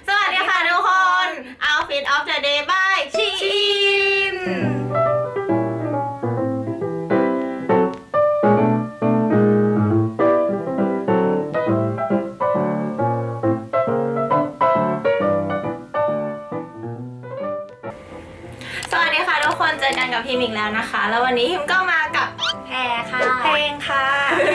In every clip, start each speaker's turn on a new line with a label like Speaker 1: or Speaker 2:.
Speaker 1: สวัสดีค่ะทุกคน Outfit of the Day by ชีอินสวัสดีค่ะทุกคนเจอกันกับพิมอีกแล้วนะคะ แล้ววันนี้พิมก็มากับ
Speaker 2: แพรค่ะ
Speaker 1: เพลงค่ะ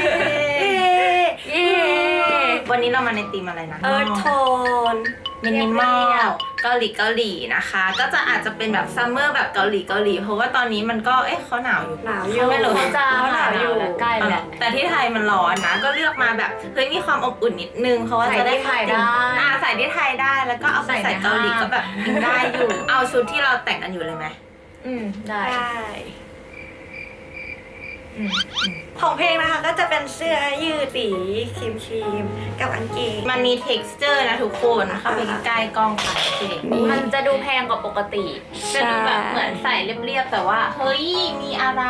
Speaker 1: วันนี้เรามาในธีมอะไรนะ
Speaker 2: Earth Tone
Speaker 1: มินิมอลเกาหลีนะคะ ก็จะอาจจะเป็นแบบซัมเมอร์แบบเกาหลีเพราะว่าตอนนี้มันก็เขาหนาวอยู่ไม่รู้
Speaker 2: จะหนาวอยู่ใกล้แหละ
Speaker 1: แต่ที่ไทยมันร้อนนะก็เลือกมาแบบเฮ้ยมีความอบอุ่นนิดนึงเพราะว่าจะได้
Speaker 2: ใส่ได้
Speaker 1: ใส่ที่ไทยได้แล้วก็เอาไปใส่เกาหลีก็แบบได้อยู่ เอาชุดที่เราแต่งกันอยู่เลยไหม
Speaker 2: ได้
Speaker 3: ของเพลงนะคะก็จะเป็นเสื้อยืดสีครีมกับกางเกง
Speaker 1: มันมี texture นะทุกคนเข้าไปใกล้ๆกล้องค่ะ
Speaker 2: มันจะดูแพงกว่าปกติ
Speaker 1: จะดูแบบเหมือนใส่เรียบๆแต่ว่าเฮ้ยมีอะไร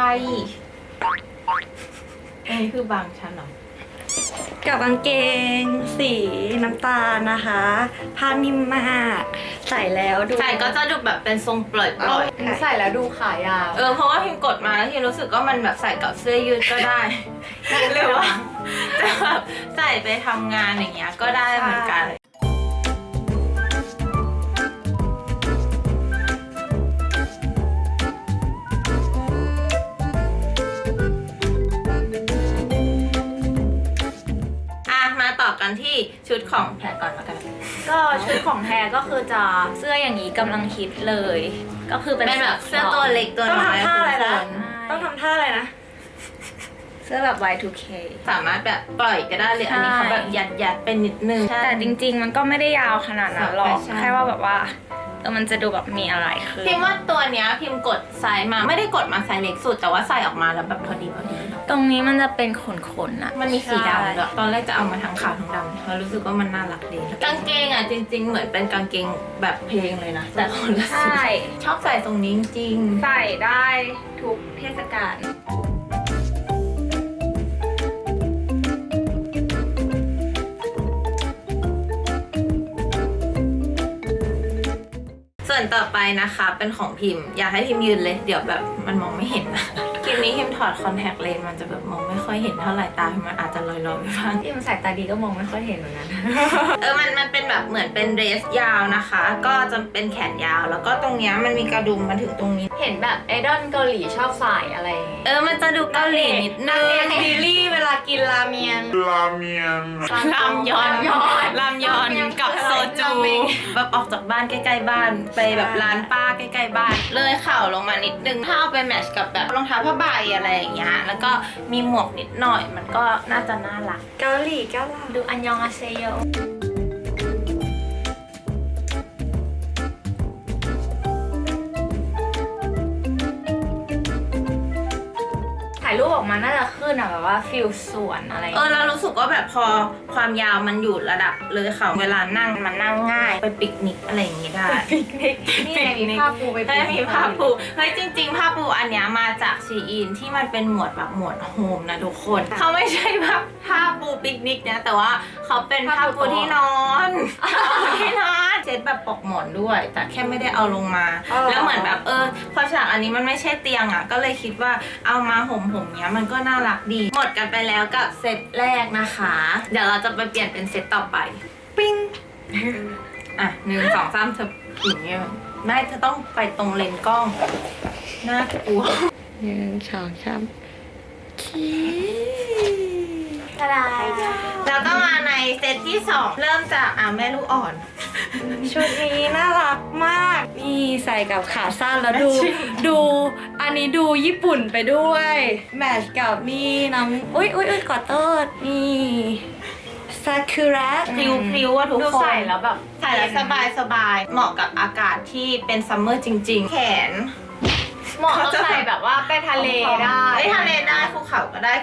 Speaker 1: อันนี้คือบางชั้นเหรอ
Speaker 3: กับกางเกงสีน้ำตาลนะคะผ้านิ่มมากใส่แล้วดู
Speaker 1: ใส่ก็จะดูแบบเป็นทรงปล่อย
Speaker 2: ใส่แล้วดูขายาว
Speaker 1: เพราะว่าพิมกดมาแล้วพิมรู้สึกว่ามันแบบใส่กับเสื้อยืดก็ได้หรือว่าจะแบบใส่ไปทำงานอย่างเงี้ยก็ได้เหมือนกันต่อกันที่ชุดของแพรก่อนแล้วกัน
Speaker 2: ก็ชุดของแพรก็คือจะเสื้ออย่างนี้กำลังฮิตเลยก็คือเป็น
Speaker 1: แบบเสื้อตัวเล็กตัวน้อย
Speaker 3: ต้องทำท่าอะไรนะต้องทำท่าอะไรนะ
Speaker 2: เสื้อแบบ Y2K
Speaker 1: สามารถแบบปล่อยก็ได้เลยอันนี้เขาแบบยัดเป็นนิดนึง
Speaker 2: แต่จริงๆมันก็ไม่ได้ยาวขนาดนั้นหรอกแค่ว่าแบบว่ามันจะดูแบบมีอะไรคือ
Speaker 1: พิมว่าตัวเนี้ยพิมกดไซส์มาไม่ได้กดมาไซส์เล็กสุดแต่ว่าใส่ออกมาแล้วแบบพอดี
Speaker 2: ตรงนี้มันจะเป็นขนๆอะ
Speaker 1: มันมีสีดำด้วยตอนแรกจะเอามาทั้งขาวทั้งดำเพราะรู้สึกว่ามันน่ารักดีกางเกงอ่ะจริงๆเหมือนเป็นกางเกงแบบเพลงเลยนะแต่คนละสีชอบใส่ตรงนี้จริง
Speaker 2: ใส่ได้ทุกเทศกาล
Speaker 1: ส่วนต่อไปนะคะเป็นของพิมพ์อยากให้พิมพ์ยืนเลยเดี๋ยวแบบมันมองไม่เห็นนะคลิปนี้พิมถอดคอนแทคเลนส์มันจะแบบมองไม่ค่อยเห็นเท่าไหร่ตาพิมมันอาจจะลอยๆไปบ้าง
Speaker 2: พิมใส่ตาดีก็มองไม่ค่อยเห็นเหมือนกัน
Speaker 1: มันเป็นแบบเหมือนเป็นเดรสยาวนะคะก็จะเป็นแขนยาวแล้วก็ตรงเนี้ยมันมีกระดุมมาถึงตรงนี้
Speaker 2: เห็นแบบไอดอลเกาหลีชอบใส่อะไร
Speaker 1: มันจะดูเกาหลีนิดนึง
Speaker 3: ซีรีส์เวลากินราเมียน
Speaker 1: รามยอนกับโซจูแบบออกจากบ้านใกล้ๆบ้านไปแบบร้านป้าใกล้ๆบ้านเลยเข่าลงมานิดนึงถ้าเอาไปแมทช์กับแบบรองเท้าผ้าใบอะไรอย่างเงี้ยแล้วก็มีหมวกนิดหน่อยมันก็น่าจะน่ารัก
Speaker 3: เกาหลี
Speaker 2: ดูอันยองอาเซโยถ่ายรูปออกมาน่าจะขึ้นอะแบบว่าฟิลสวนอะไร
Speaker 1: เรารู้สึกว่าแบบพอความยาวมันอยู่ระดับเลยค่ะเวลานั่งมันนั่งง่ายไปปิกนิกอะไรอย่างงี้ได้
Speaker 2: ปิกนิกนี่มีผ้าปูไป
Speaker 1: มีผ้าปูเฮ้ยจริงๆผ้าปูอันเนี้ยมาจากชีอินที่มันเป็นหมวดแบบหมวดโฮมนะทุกคนเขาไม่ใช่ผ้าปูปิกนิกนะแต่ว่าเขาเป็นผ้าปูที่นอนเซ็ตแบบปลอกหมอนด้วยแต่แค่ไม่ได้เอาลงมาแล้วเหมือนแบบพอฉากอันนี้มันไม่ใช่เตียงอ่ะก็เลยคิดว่าเอามาห่มเนี้ยมันก็น่ารักดีหมดกันไปแล้วกับเซตแรกนะคะเดี๋ยวเราจะไปเปลี่ยนเป็นเซตต่อไปปิ้ง1 2 3เธออย่างเงี้ยไม่เธอต้องไปตรงเลนกล้องน่ากลัว
Speaker 3: 1 2 3
Speaker 1: แล้วก็มาในเซตที่2เริ่มจากแม่ลูกอ่อน
Speaker 3: ชุดนี้น่ารักมากนี่ใส่กับขาสั้นแล้วดูอันนี้ดูญี่ปุ่นไปด้วยแมทช์กับนี่น้ำอุ้ยขอโทษนี่ซากุระ
Speaker 1: พริ้วว่าทุกคน
Speaker 2: ใส่แล้วแบบ
Speaker 1: ใส่แล้วสบายเหมาะกับอากาศที่เป็นซัมเมอร์จริงๆแขน
Speaker 2: เหมาะใส่แบบว่าไปทะเลได้
Speaker 1: ภูเขาก็ได้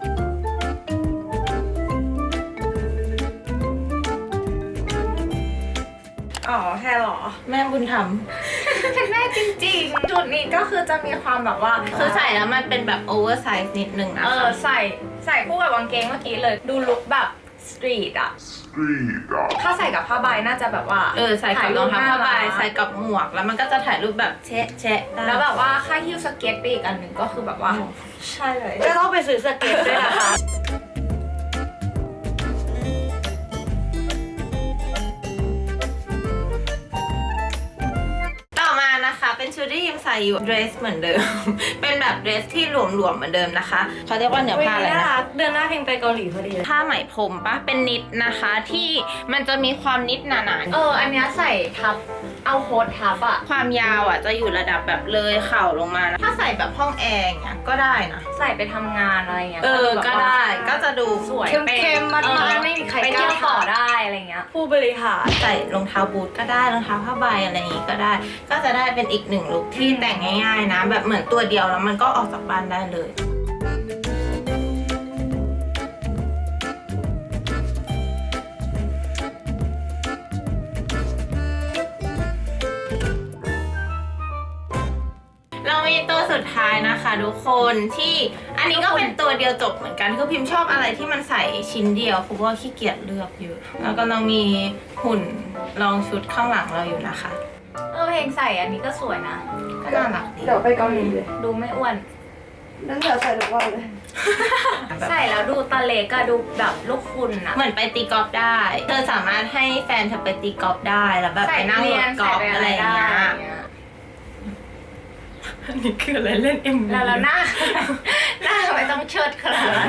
Speaker 3: แค่หรอ
Speaker 1: แม่บุญธรรม
Speaker 2: เป็นแม่จริงๆจุดนี้ก็คือจะมีความแบบว่า
Speaker 1: คือใส่แล้วมันเป็นแบบโอเวอร์ไซส์นิดนึงนะคะ
Speaker 2: ใส่คู่กับกางเกงเมื่อกี้เลยดูลุคแบบสตรีทอะถ้าใส่กับผ้าใบน่าจะแบบว่า
Speaker 1: ใส่กับรองเท้าผ้าใบใส่กับหมวกแล้วมันก็จะถ่ายรูปแบบแชะได้
Speaker 2: แล้วแบบว่าค่าฮิ้วสเก็ตไปอีกอันหนึ่งก็คือแบบว่าใช่เลย
Speaker 3: ก็ต้องไปซื้อสเก็ตด้วยนะคะ
Speaker 1: ต่อมานะคะเป็นชุดที่ยิมใส่อยู่เดรสเหมือนเดิม เป็นแบบเดรสที่หลวมๆเหมือนเดิมนะคะเขาเรียกว่าเนื้อผ้าอะไรนะ
Speaker 3: เดือนหน้าเพลงไปเกาหลีพอดีเลย
Speaker 1: ผ้าไหมพรมปะเป็นนิดนะคะที่มันจะมีความนิดหนา
Speaker 2: อันเนี้ยใส่ทับเอาโค้ททับอะ
Speaker 1: ๆความยาวอ่ะจะอยู่ระดับแบบเลยเข่าลงมานะถ้าใส่แบบห้องแอร์อย่างเงี้ยก็ได้นะ
Speaker 2: ใส่ไปทำงานอะไรเงี้ย
Speaker 1: ก็ได้ก็จะดู
Speaker 2: สวย
Speaker 3: เข้มๆมันๆไม่มีใคร
Speaker 2: ไป
Speaker 3: กล้า
Speaker 2: เที่ยวต่อได้อะไรเงี้ย
Speaker 3: ผู้บริหาร
Speaker 1: ใส่รองเท้าบูทก็ได้รองเท้าผ้าใบอะไรอย่างงี้ก็ได้ ก็จะได้เป็นอีกหนึ่งลุคที่แต่งง่ายๆนะ แบบเหมือนตัวเดียวแล้วมันก็ออกจากบ้านได้เลย เรามีตัวสุดท้ายนะคะทุกคนที่อันนี้ก็เป็นตัวเดียวจบเหมือนกันคือพิมพ์ชอบอะไรที่มันใส่ชิ้นเดียวเพราะว่าขี้เกียจเลือกเยอะแล้วก็เรามีหุ่นรองชุดข้างหลังเราอยู่นะคะ
Speaker 2: เพลงใส่อันนี้ก็สวยนะ
Speaker 1: ก็น่ารักดี
Speaker 3: เดี๋ยวไปเกาหลีเลย
Speaker 2: ดูไม่อ้วน
Speaker 3: นั่นเดี๋ยวใส่ทุกวันเลย
Speaker 2: ใส่แล้วดูตะเล็กอะดูแบบลูกคุณอะ
Speaker 1: เหมือนไปตีกอล์ฟได้ เธอสามารถให้แฟนเธอไปตีกอล์ฟได้แล้วแบบไปนั่งรถกอล์ฟอะไรอย่างเงี้ยอันนี้คืออะไรเล่น MV
Speaker 2: แล้วหน้า หน้าทำไมต้องเชิดขนาดนั้น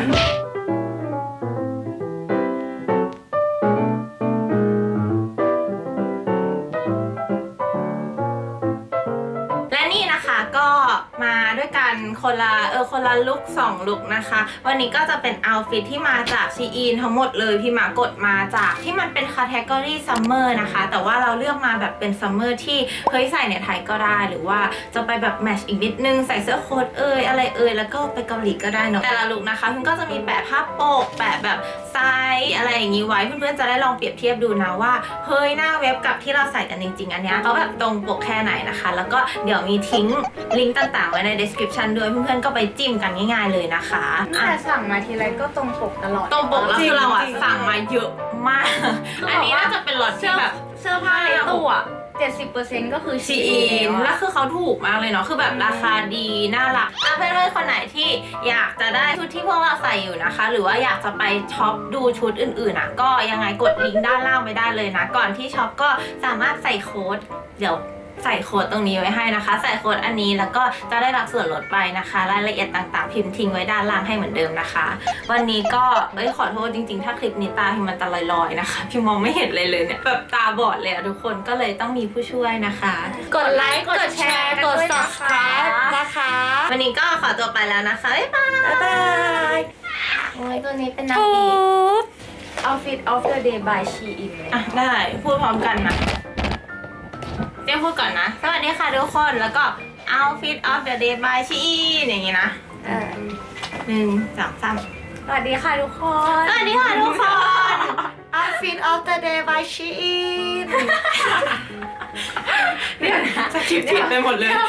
Speaker 1: และนี่นะคะก็มาด้วยกันคนละลุค2ลุคนะคะ วันนี้ก็จะเป็นเอาท์ฟิตที่มาจากชีอินทั้งหมดเลยพี่หมากดมาจากที่มันเป็นคาเทกอรี่ซัมเมอร์นะคะแต่ว่าเราเลือกมาแบบเป็นซัมเมอร์ที่เฮ้ยใส่ในไทยก็ได้หรือว่าจะไปแบบแมทช์อีกนิดนึงใส่เสื้อโค้ทอะไรแล้วก็ไปเกาหลีก็ได้เนาะแต่ละลุคนะคะคุณก็จะมีแปะภาพปกแปะแบบไซส์อะไรอย่างนี้ไว้เพื่อนๆจะได้ลองเปรียบเทียบดูนะว่าเฮ้ยหน้าเว็บกับที่เราใส่กันจริงๆอันเนี้ยเขาแบบตรงปกแค่ไหนนะคะแล้วก็เดี๋ยวมีทิ้งลิงก์ต่างๆไว้ใน description ด้วยเพื่อนๆก็ไปจิ้มกันง่ายๆเลยนะคะ
Speaker 2: แต่สั่งมาทีไรก็ตรงปกตลอด
Speaker 1: ตรงปกแล้วคือเราอะ
Speaker 3: จริงๆ
Speaker 1: สั่งมาเยอะมาก อันนี้น่าจะเป็นล็อตที่แบบ
Speaker 2: เสื้อผ้าในตู้อะ70%ก็คือ
Speaker 1: ชีอินแล้วคือเขาถูกมากเลยเนาะคือแบบราคาดีน่ารักถ้าเพื่อนๆคนไหนที่อยากจะได้ชุดที่พวกเราใส่อยู่นะคะ หรือว่าอยากจะไปช็อปดูชุดอื่นๆอ่ะก็ยังไงกดลิงก์ด้านล่างไว้ได้เลยนะ ก่อนที่ช็อปก็สามารถใส่โค้ดเดี๋ยวใส่โค้ดตรงนี้ไว้ให้นะคะ ใส่โค้ดอันนี้แล้วก็จะได้รับส่วนลดไปนะคะรายละเอียดต่างๆพิมพ์ทิ้งไว้ด้านล่างให้เหมือนเดิมนะคะ วันนี้ก็ขอโทษจริงๆถ้าคลิปนี้ตาพิมมันจะลอยๆนะคะพิมมองไม่เห็นเลยเนี่ยแบบตาบอดเลยอะทุกคนก็เลยต้องมีผู้ช่วยนะคะ
Speaker 3: กดไลค์ กดแชร์ กด subscribe นะคะ
Speaker 1: วันนี้ก็ขอตัวไปแล้วนะคะบ๊ายบาย
Speaker 3: บ๊ายบาย
Speaker 1: โอ้ยตัวนี้เป็นนาง
Speaker 3: ปุ๊
Speaker 1: เอก
Speaker 3: บ
Speaker 2: Outfit of the day by Shein เลย
Speaker 1: อ่ะได้พูดพร้อมกันนะเดี๋ยวพูดก่อนนะสวัสดีค่ะทุกคนแล้วก็ outfit of the day by Shein อย่างงี้นะ1 2 3
Speaker 2: สวัสดีค่ะทุกคน
Speaker 1: สวัสดีค่ะทุกคน
Speaker 3: Outfit of the day by Shein
Speaker 1: เดี๋ยวนะสคริปต์ผิดไปหมดเลย